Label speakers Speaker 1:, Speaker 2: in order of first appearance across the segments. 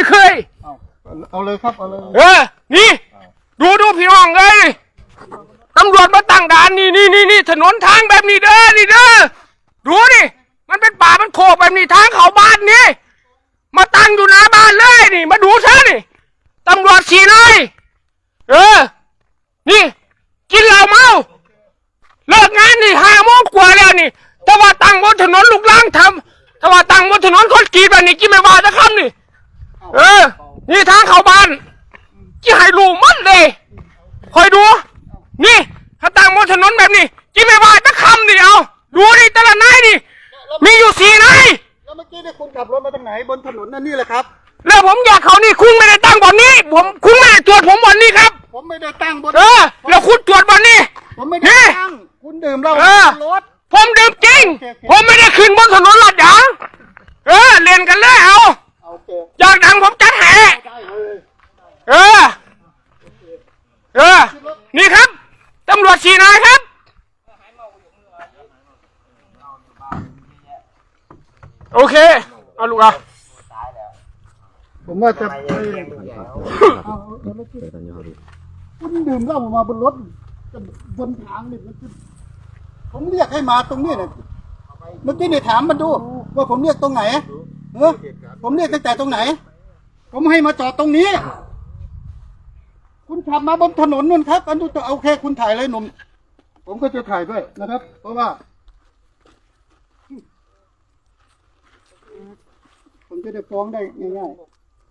Speaker 1: ไม่เคย
Speaker 2: เอาเลยครับเอาเลย
Speaker 1: นี่ดูพี่น้องเลยตำรวจมาตั้งด่านนี่ถนนทางแบบนี้เด้อนี่เด้อดูนี่มันเป็นป่ามันโคกแบบนี้ทางเขาบ้านนี่มาตั้งอยู่หน้าบ้านเลยนี่มาดูซะนี่ตำรวจขี่เลยนี่กินเหล้าเมาเลิกงานนี่5 โมงกว่าแล้วนี่ถ้าว่าตั้งบนถนนลูกล้างทำถ้าว่าตั้งบนถนนคนกรีดแบบนี้กินไม่ว่าจะคำนี่นี่ทางเข้าบ้านกี่ให้รู้มันเลยคอยดูนี่ถ้าตั้งบนถนนแบบนี้กินไม่ว่าจะคำนี่เอาดูนี่แต่ละนายนี่มีอยู่4 นาย
Speaker 2: แล้วเมื่อกี้เนี่ยคุณขับรถมาทางไหนบนถนนนั่นนี่แหละครับ
Speaker 1: แล้วผมอยากเขานี่คุณไม่ได้ตั้งบนนี้คุณไม่ได้ตรวจผมบนนี้ครับ
Speaker 2: ผมไม่ได้ตั้งบน
Speaker 1: แล้วคุณตรวจบนนี้
Speaker 2: ผมไม่ได้ตั้งคุณดื่มเหล้าบนรถ
Speaker 1: ผมดื่มจริงผมไม่ได้ขึ้นบนถนนลาดยางเล่นกันเลยเอาอยากดังผมจัดแห่นี่ครับตำรวจ4 นายครับโอเคเอาลูกเอา
Speaker 2: ผมว่าจะคุณดื่มเหล้ามาบนรถบนทางนี่ผมเรียกให้มาตรงนี้เนี่ยเมื่อกี้เนี่ยถามมันดูว่าผมเรียกตรงไหนผมเรียกตั้งแต่ตรงไหนผมให้มาจอดตรงนี้คุณขับมาบนถนนนู่นครับอันนู้นโอเคคุณถ่ายเลยหนุ่มผมก็จะถ่ายด้วยนะครับ เพราะว่าผมจะได้ฟ้องได้ง่ายๆ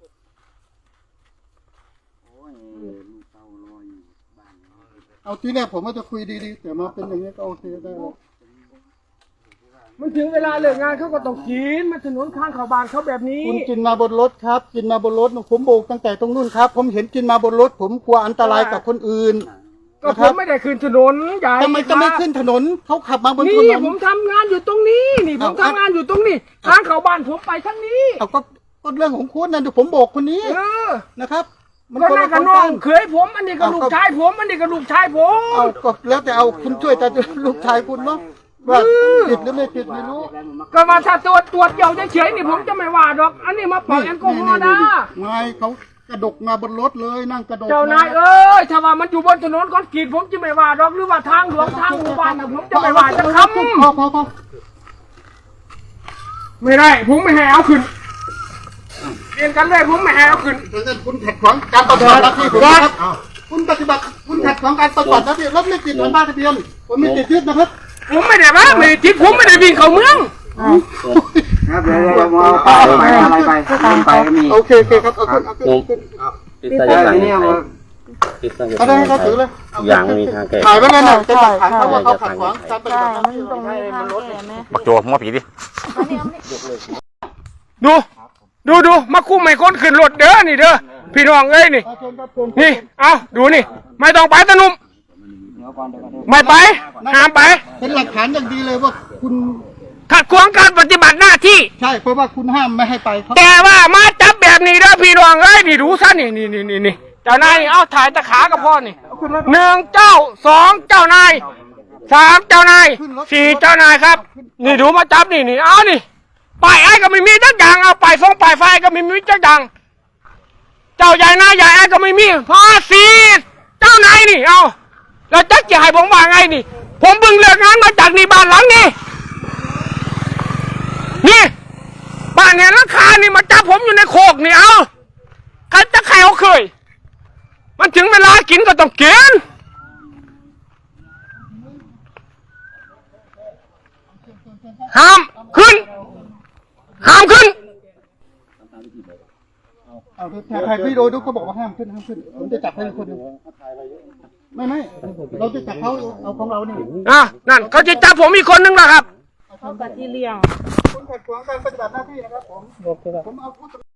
Speaker 2: เอาทีแรกผมว่าจะคุยดีๆแต่มาเป็นอย่างนี้ก็โอเคได้แล้ว
Speaker 1: มันถึงเวลาเลิกงานเขาก็ต้องกินมาถนนข้างเขาบ้านเขาแบบนี้
Speaker 2: คุณกินมาบนรถครับกินมาบนรถผมโบกตั้งแต่ตรงนู้นครับผมเห็นกินมาบนรถผมกลัวอันตรายกับคนอื่น
Speaker 1: ก็ผมไม่ได้ขึ้นถนนใหญ่
Speaker 2: ทำไมจะไม่ขึ้นถนนเขาขับมาบนถนน
Speaker 1: นี่ผมทำงานอยู่ตรงนี้นี่ผมทำงานอยู่ตรงนี้ทางเขาบ้านผมไปทั้งนี้
Speaker 2: เอาก็เรื่องของคุณนะผมโบกคนนี้นะครับ
Speaker 1: มันก็น่ากับน้องเคยผมอันนี้ก็ลูกชายผมอันนี้ก็ลูกชายผม
Speaker 2: เอาก็แล้วแต่เอาคุณช่วยแต่ลูกชายคุณเนาะว่าผิดหรือไม่ผิดไม่รู้
Speaker 1: ก็มาถ้าตรวจเดี่ยวเฉยๆนี่ผมจะไม่ว่าหรอกอันนี้มาปล่อยแอลกอฮอล์นะ
Speaker 2: ไม่เขากระดกมาบนรถเลยนั่งกระดก
Speaker 1: เจ้านายถ้าว่ามันอยู่บนถนนคอนกรีตผมจะไม่ว่าหรอกหรือว่าทางหลวงทางหมู่บ้านผมจะไม่ว่าจะคำ
Speaker 2: พอ
Speaker 1: ไม่ได้ผมไม่ให้เอาขึ้นเรียนกันเลยผมไม่ให้เอาขึ้น
Speaker 2: คุณขัดขวางการปฏิบัติหน้าที่ผมครับคุณปฏิบัติคุณขัดขวางการปฏิบัติหน้าที่รถไม่ติดแผ่นป้ายทะเบียนผมไม่ติดยึดนะครับ
Speaker 1: ผมไม่ได้บ้าไม่ได้ติดผมไม่ได้วิ่งเข้าเมือง
Speaker 3: ครับเดี๋ยวไปอะไรไปก็มี
Speaker 2: โอเคครับเอาขึ้น
Speaker 3: ติดสายเนี่ย
Speaker 2: เอาได้เขาถือเลย
Speaker 3: อย่างมีทางแก้
Speaker 2: ถ่ายไว้นั่นน่ะจะถ่ายเขาว่าเขาขัดขวางการปฏิบัติหน้าที่
Speaker 4: ตรงนี้ทางแก่ไหม
Speaker 5: บักโจมัวผีดิ
Speaker 1: ดูมาคุ้มไม่คนขึ้นรถเด้อนี่เด้อพี่น้องเอ้ยนี่เอาดูนี่ไม่ต้องไปตะนุ่มไม่ไปห้ามไป
Speaker 2: เป็นหลักฐานอย่างดีเลยว่าคุณ
Speaker 1: ขัดขวางการปฏิบัติหน้าที่
Speaker 2: ใช่เพราะว่าคุณห้ามไม่ให้ไป
Speaker 1: แต่ว่ามาจับแบบนี้เด้อพี่น้องเอ้ยนี่ดูซะนี่เจ้านายเอาถ่ายตะขากับพ่อนี่1 เจ้า 2 เจ้านาย3 เจ้านาย4 เจ้านายครับนี่ดูมาจับนี่เอานี่ป้ายไอ้ก็ไม่มีจักอย่างเอาป้ายไฟก็ไม่มีจักอย่างเจ้าใหญ่นายใหญ่ไอ้ก็ไม่มีพอ4 เจ้านายนี่เอาแล้วจักจะให้ผมว่าไงนี่ผมเพิ่งเลิกงานมาจากนี่บ้านหลังนี่บ้านเนี่ยราคานี่มาจับผมอยู่ในโคกนี่เอาใครจะใครเอาเคยมันถึงเวลากินก็ต้องกินห้ามขึ้น
Speaker 2: ใครพี่โดดูเขาบอกว่าห้ามขึ้นผมจะจับให้คนนึงไม่เราจะจับเขาเอาของเรานี่
Speaker 1: นั่นเขาจะจับผมอีกคนนึงนะครับ
Speaker 4: เขากับที่เลี้ยง
Speaker 2: คุณขัดขวางการปฏิบัติหน้าที่นะครับผมเอา